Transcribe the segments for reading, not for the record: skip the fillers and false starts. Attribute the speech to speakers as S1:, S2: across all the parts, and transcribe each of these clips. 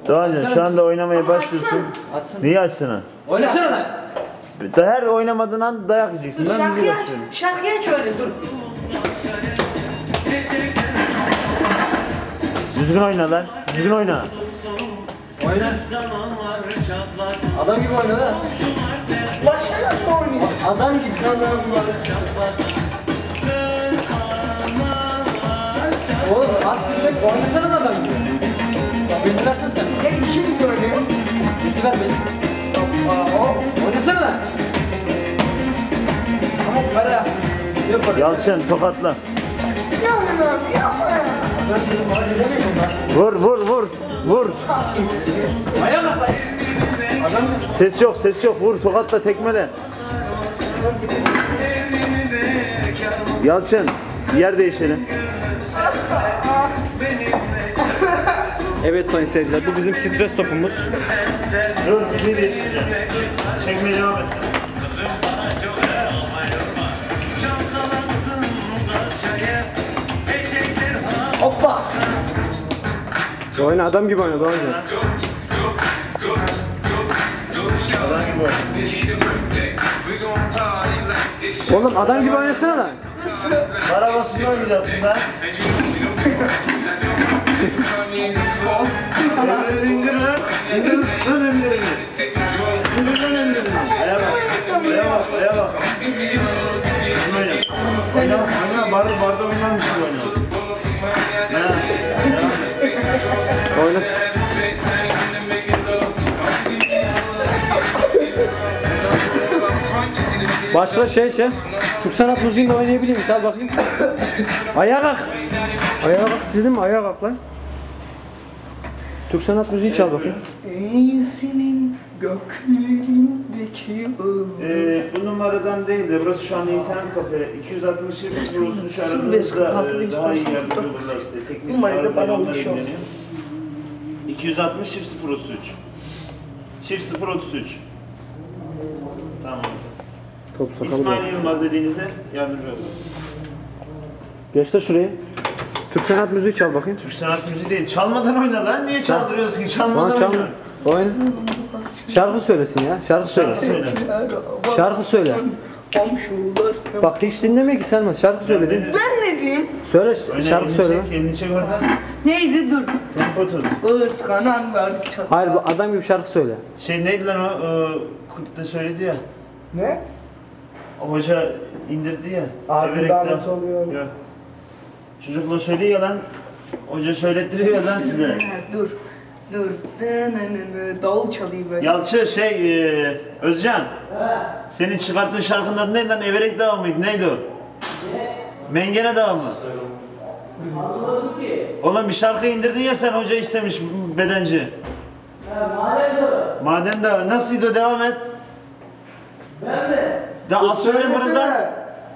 S1: Doğancan şu anda oynamaya başlıyorsun.
S2: Açsın.
S1: Niye açsın ha?
S2: Oynasana lan.
S1: Her oynamadığın an dayak yiyeceksin.
S3: Dur
S1: Ben müzik
S3: şarkıyı aç.
S1: açıyorum.
S3: Şarkıyı aç öyle dur.
S1: Düzgün oyna lan. Düzgün oyna.
S2: Oyna. Adam gibi oyna lan.
S3: Başka nasıl oynuyor?
S2: Adam gibi sanırım var. Oğlum aslında oynasana da adam gibi. Bezi versene sen.
S3: Ya ikimiz oynuyor.
S2: Bezi ver bezi. Oynasana lan. Ama para. Yok para.
S1: Yalçın tokatla.
S3: Yapma abi yapma ya.
S2: Ben dedim halledemeyim ben.
S1: Vur vur vur. Vur.
S2: Ayağa kalk lan. Adam
S1: Ses yok ses yok. Vur tokatla tekmele. Yalçın yer değişelim.
S4: Evet sayın seyirciler, bu bizim stres topumuz.
S1: Dur bizi değiştireceğim. Çekmeye devam etsin.
S3: Hoppa.
S4: Oyna, adam gibi oyna Doğancan.
S1: Adam gibi oyna.
S4: Oğlum adam gibi oynasana lan.
S1: Para basında oynayacaksın lan. İndir indir lan. İndir lan indirini. İndir lan indirini. Aya bak. Aya bak. Aya bak. Oyna. Oyna. Barda oynarmış gibi oyna.
S4: Oyna. Başla şey. Türk sanat müziğini oynayabilir miyim? Al bakayım. Ayağa kalk. Ayağa kalk dedim mi? Ayağa kalk lan. Türk sanat müziği çal bakayım.
S3: Ey senin göklerindeki yıldız.
S1: Bu numaradan değil de burası şu an internet kafe. 260 kurulsun şu aranızda daha iyi yardımcı olurlar size. Teknik
S3: Numarayı da bana
S1: yollar
S3: ulaşıyor.
S1: ilgileniyor. 260 033. 033. Tamam.
S4: Top sakalı
S1: İsmail
S4: da.
S1: Yılmaz dediğinizde yardımcı olur.
S4: Geç de şuraya. Türk sanat müziği çal bakayım.
S1: Türk sanat müziği değil. Çalmadan oyna lan. Niye çaldırıyorsun ki?
S4: Bana
S1: Çalmadan
S4: çal.
S1: oyna.
S4: Oyna. Şarkı söylesin ya. Şarkı söyle.
S1: Şarkı söyle.
S4: Şarkı söyle.
S3: Komşular.
S4: Bak hiç dinlemiyor ki Selma. Şarkı söyle değil mi?
S3: Ben ne diyeyim?
S4: Söyle
S1: Oyna,
S4: şarkı
S1: elini
S4: söyle.
S1: çek, elini çek oradan.
S3: Neydi dur.
S1: Tempo tut.
S3: Iskananlar çatlar.
S4: Hayır bu adam gibi şarkı söyle.
S1: Şey neydi lan o? Kurt'ta söyledi ya.
S3: Ne?
S1: O hoca indirdi ya.
S3: Abi
S1: Everek'te.
S3: damat oluyor.
S1: Yok. Çocukla söylüyor ya lan. Hoca söylettiriyor ya lan size.
S3: Dur. Dur. Davul çalayım böyle.
S1: Yalçın Özcan. Senin çıkarttığın şarkının adı neydi lan? Everek Dağı mıydı? Neydi o? Mengene Dağı mı? Oğlum bir şarkı indirdin ya sen, hoca istemiş bedenci. Maden Dağı. Nasılydı o? Devam et. Ben de. Daha az söyle burada.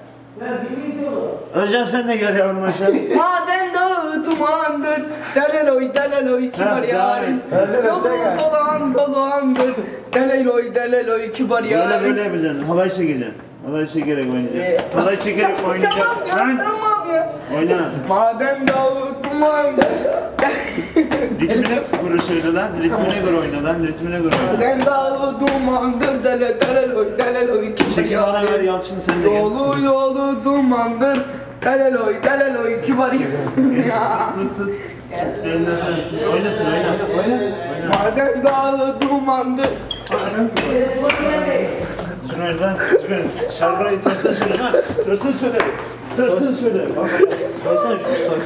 S1: Özcan sen de gel yavrum aşağı.
S3: Maden dağı dumandır. Deleloy kibar yarim. Yolun dolandır. Deleloy kibar
S1: Böyle
S3: yarim.
S1: böyle yapacaksın. Halay çekeceksin. Halay çekerek oynayacaksın. Halay çekerek oynayacaksın.
S3: Tamam ya,
S1: Lan!
S3: tamam ya.
S1: Oyna.
S3: Maden dağı dumandır.
S1: Ritmine göre söyle lan. Ritmine göre oyna lan. Ritmine göre oyna.
S3: Maden dağı dumandır. Deleloy kibar
S1: Çekil bana ver
S3: yarim.
S1: Yalçın, sen de gel.
S3: Yolu dumandır. Deleloy kibar yarim.
S1: Tut. Elinden sen tut. Oynasın oyna. Oyna.
S3: Maden dağı dumandır.
S1: Şunu ver lan. Şarkıyı tersten söyle lan. Tersten söyle. Tersten söyle. Soysana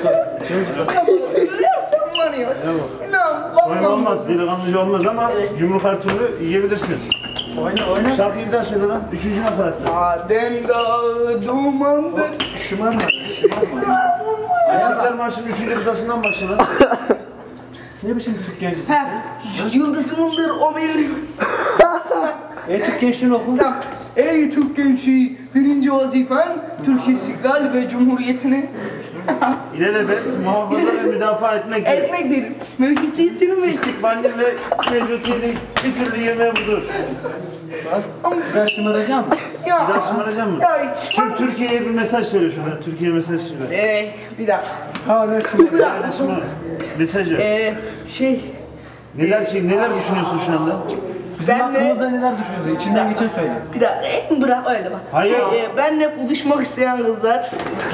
S3: Görüyorsun var ya. İnan
S1: Oyun
S3: vallahi.
S1: olmaz. Delikanlıcı olmaz ama yumruk her türlü yiyebilirsin.
S2: oyna.
S1: Şarkıyı bir daha söyle lan. Üçüncü nafaratta.
S3: Maden dağı dumandır.
S1: Şımarma. İstiklal Marşı'nın 3. kıtasından başla lan.
S4: Ne biçim Türk gencisin?
S3: Ha, yıldızımdır o benim.
S4: Türk gençliğini oku.
S3: Tamam. Ey Türk gençliği, birinci vazifen Türk istiklal ve cumhuriyetini
S1: İlelebet muhafaza ve müdafaa etmektir.
S3: etmektir. Mevcudiyetini ve
S1: İstikbalini ve mevcutiyeti bir türlü yemeğe budur.
S4: Ben şımaracağım.
S3: ya.
S1: Bir daha şımaracak mısın?
S3: Ya,
S1: Türkiye'ye bir mesaj söyle şurada. Türkiye'ye mesaj söyle.
S3: bir dakika.
S4: Ha ne
S3: Bir dakika.
S1: Şımar. Mesaj ver.
S3: Şey,
S1: Neler düşünüyorsun şu anda?
S2: Bizim
S3: Ben de-
S2: hakkımızda neler düşünüyorsun? İçinden geçen söyle.
S3: Bir dakika bırak öyle bak.
S1: Hayır.
S3: Benle buluşmak isteyen kızlar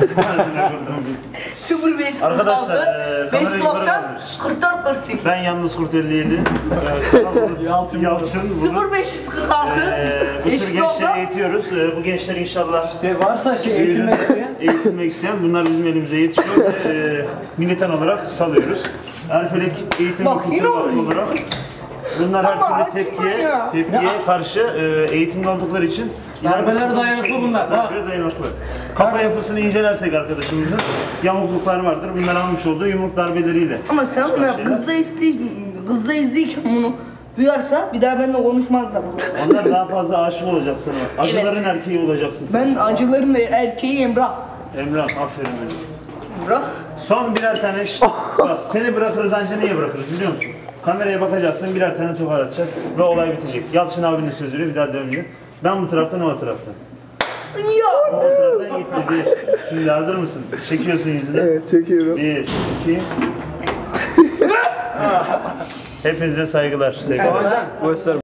S3: 0546
S1: Arkadaşlar, kamerayı
S3: 590
S1: yukarı alıyoruz.
S3: 44 48
S1: Ben yalnız Kurt 57. Yalçın bunu.
S3: 0546
S1: Bu tür gençleri
S3: 590
S1: eğitiyoruz. Bu gençler inşallah
S2: İşte varsa eğitilmek isteyen.
S1: eğitilmek isteyen bunlar bizim elimize yetişiyor ve militan olarak salıyoruz. Erfelek Eğitim
S3: Bak,
S1: ve Kültür
S3: yine
S1: Vakfı
S3: oluyor.
S1: olarak bunlar her
S3: Ama
S1: türlü
S3: ya.
S1: tepkiye karşı eğitimli oldukları için
S2: Darbeler
S1: yargısız bir
S2: dayanıklı
S1: şekilde-
S2: bunlar, bak.
S1: Darbeler dayanıklı. Kafa yapısını incelersek arkadaşımızın yamukluklar vardır. Bunlar almış olduğu yumruk darbeleriyle.
S3: Ama sen
S1: çıkan
S3: bunu
S1: şeyler.
S3: kızda izleyken bunu duyarsa bir daha benimle konuşmazlar.
S1: Onlar daha fazla aşık olacak sana. Acıların erkeği olacaksın sen.
S3: Ben acıların erkeği Emrah.
S1: Emrah aferin benim.
S3: Emrah.
S1: Son birer tane bak seni bırakırız anca niye bırakırız biliyor musun? Kameraya bakacaksın birer tane tokat atacak ve olay bitecek. Yalçın abinin sözüyle bir daha dönmüyor. Ben bu taraftan o taraftan.
S3: Ya.
S1: O taraftan gitmedi. Şimdi hazır mısın? Çekiyorsun yüzüne.
S3: Evet çekiyorum.
S1: 1, 2. Hepinize saygılar.
S3: Saygılar.
S4: Bu eser